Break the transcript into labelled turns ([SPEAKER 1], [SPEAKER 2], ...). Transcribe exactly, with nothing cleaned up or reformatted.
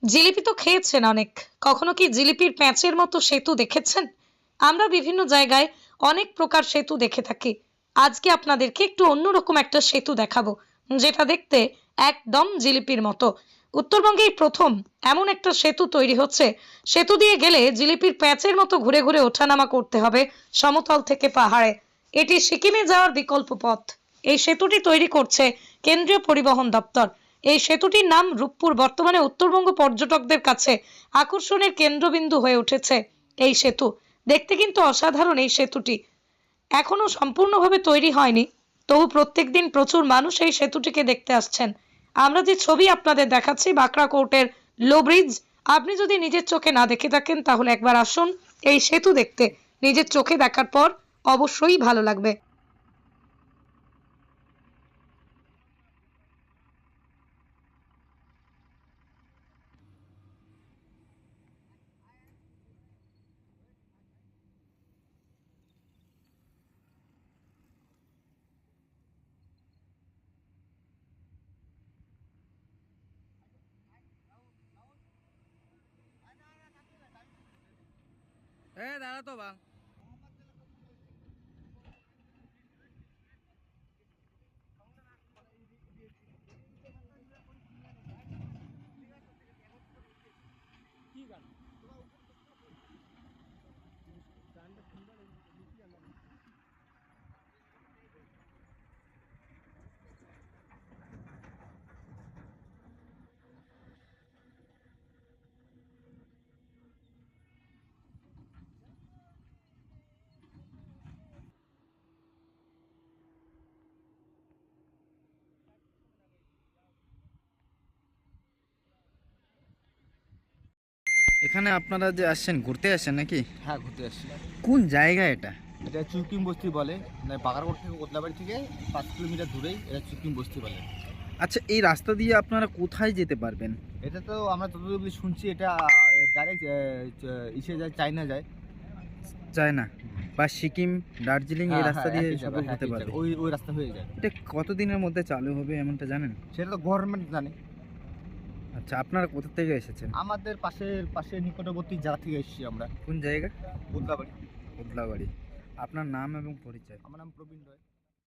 [SPEAKER 1] জিলিপি তো খেয়েছেন অনেক। কখনো কি জিলিপির প্যাঁচের মতো সেতু দেখেছেন? আমরা বিভিন্ন জায়গায় অনেক প্রকার সেতু দেখে থাকি। আজকে আপনাদেরকে একটু অন্যরকম একটা সেতু দেখাবো, যেটা দেখতে একদম জিলিপির মতো। উত্তরবঙ্গেই প্রথম এমন একটা সেতু তৈরি হচ্ছে। সেতু দিয়ে গেলে জিলিপির প্যাঁচের মতো ঘুরে ঘুরে ওঠানামা করতে হবে সমতল থেকে পাহাড়ে। এটি সিকিমে যাওয়ার বিকল্প পথ। এই সেতুটি তৈরি করছে কেন্দ্রীয় পরিবহন দপ্তর। এই সেতুটির নাম রূপপুর। বর্তমানে উত্তরবঙ্গ পর্যটকদের কাছে আকর্ষণের কেন্দ্রবিন্দু হয়ে উঠেছে এই সেতু। দেখতে কিন্তু অসাধারণ এই সেতুটি। এখনো সম্পূর্ণভাবে তৈরি হয়নি, তবু প্রত্যেকদিন প্রচুর মানুষ এই সেতুটিকে দেখতে আসছেন। আমরা যে ছবি আপনাদের দেখাচ্ছি বাঁকড়া কোর্টের লো ব্রিজ, আপনি যদি নিজের চোখে না দেখে থাকেন তাহলে একবার আসুন এই সেতু দেখতে। নিজের চোখে দেখার পর অবশ্যই ভালো লাগবে।
[SPEAKER 2] এ দাঁড়া তো বাং এখানে আপনারা যে আসছেন ঘুরতে আসছেন নাকি?
[SPEAKER 3] হ্যাঁ, ঘুরতে আসছি।
[SPEAKER 2] কোন জায়গা এটা?
[SPEAKER 3] এটা চুকিম বস্তি বলে, মানে বাগারকোট থেকে কোতলাবাড়ি থেকে পাঁচ কিলোমিটার দূরেই এটা চুকিম বস্তি বলে।
[SPEAKER 2] আচ্ছা, এই রাস্তা দিয়ে আপনারা কোথায় যেতে পারবেন?
[SPEAKER 3] এটা তো আমরা যতদূর শুনছি এটা ডাইরেক্ট ইসে যায়, চায়না যায়।
[SPEAKER 2] যায় না বা সিকিম, দার্জিলিং এই
[SPEAKER 3] হ্যাঁ,
[SPEAKER 2] রাস্তা
[SPEAKER 3] হ্যাঁ,
[SPEAKER 2] দিয়ে
[SPEAKER 3] একই
[SPEAKER 2] সব
[SPEAKER 3] জায়গা, হ্যাঁ,
[SPEAKER 2] হতে
[SPEAKER 3] একই
[SPEAKER 2] পারবে।
[SPEAKER 3] জায়গা। ওই ওই রাস্তা হয়ে যায়।
[SPEAKER 2] এটা কতদিনের মধ্যে চালু হবে এমনটা জানেন?
[SPEAKER 3] সেটা তো গভর্নমেন্ট জানে।
[SPEAKER 2] আচ্ছা, আপনারা কোথা থেকে এসেছেন?
[SPEAKER 3] আমাদের পাশের পাশের নিকটবর্তী জায়গা থেকে এসেছি আমরা,
[SPEAKER 2] কোন জায়গা?
[SPEAKER 3] কোতলাবাড়ি।
[SPEAKER 2] বদলাবাড়ি। আপনার নাম এবং পরিচয়?
[SPEAKER 3] আমার নাম প্রবীণ রয়।